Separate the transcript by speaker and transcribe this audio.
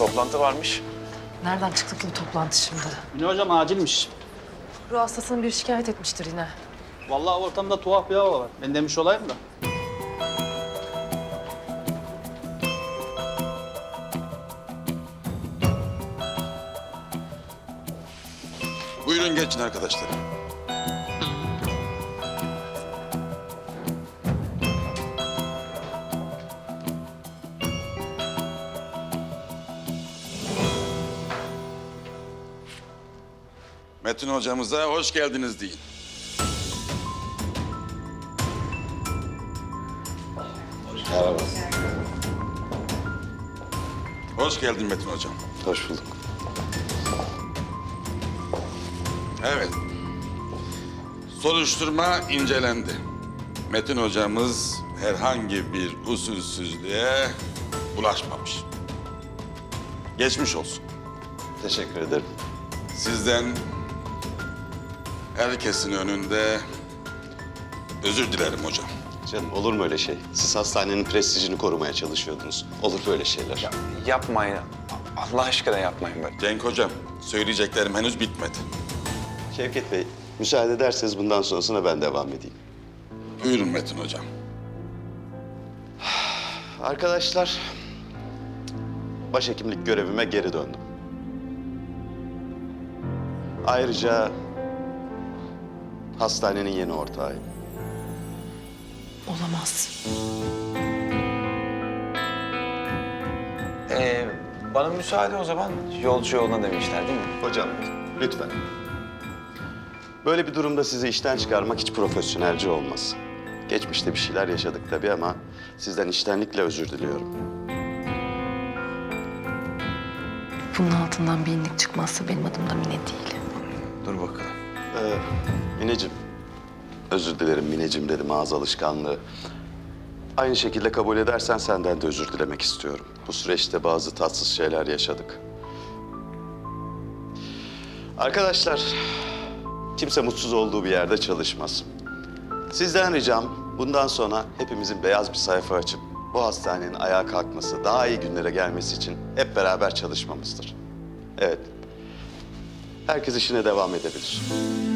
Speaker 1: toplantı varmış.
Speaker 2: Nereden çıktı ki bu toplantı şimdi?
Speaker 3: Mine hocam acilmiş.
Speaker 2: Ruh hastasını bir şikayet etmiştir yine.
Speaker 3: Vallahi ortamda tuhaf bir hava var. Ben demiş olayım da.
Speaker 4: Buyurun geçin arkadaşlar. Metin hocamıza hoş geldiniz deyin. Merhaba. Hoş geldin Metin hocam.
Speaker 5: Hoş bulduk.
Speaker 4: Evet. Soruşturma incelendi. Metin hocamız herhangi bir usulsüzlüğe bulaşmamış. Geçmiş olsun.
Speaker 5: Teşekkür ederim.
Speaker 4: Sizden herkesin önünde özür dilerim hocam.
Speaker 5: Canım olur mu öyle şey? Siz hastanenin prestijini korumaya çalışıyordunuz. Olur böyle şeyler.
Speaker 1: Yapmayın. Allah aşkına yapmayın böyle.
Speaker 4: Cenk hocam, söyleyeceklerim henüz bitmedi.
Speaker 5: Şevket Bey, müsaade ederseniz bundan sonrasına ben devam edeyim.
Speaker 4: Buyurun Metin hocam.
Speaker 5: Arkadaşlar, başhekimlik görevime geri döndüm. Ayrıca hastanenin yeni ortağıyım.
Speaker 2: Olamaz.
Speaker 1: Bana müsaade o zaman. Yolcu yoluna demişler değil mi?
Speaker 5: Hocam, lütfen. Böyle bir durumda sizi işten çıkarmak hiç profesyonelce olmaz. Geçmişte bir şeyler yaşadık tabii ama sizden içtenlikle özür diliyorum.
Speaker 2: Bunun altından bir inlik çıkmazsa benim adım da Mine değil.
Speaker 1: Dur bakalım.
Speaker 5: Mineciğim, özür dilerim Mineciğim dedim, ağız alışkanlığı. Aynı şekilde kabul edersen senden de özür dilemek istiyorum. Bu süreçte bazı tatsız şeyler yaşadık. Arkadaşlar, kimse mutsuz olduğu bir yerde çalışmaz. Sizden ricam bundan sonra hepimizin beyaz bir sayfa açıp bu hastanenin ayağa kalkması, daha iyi günlere gelmesi için hep beraber çalışmamızdır. Evet, herkes işine devam edebilir.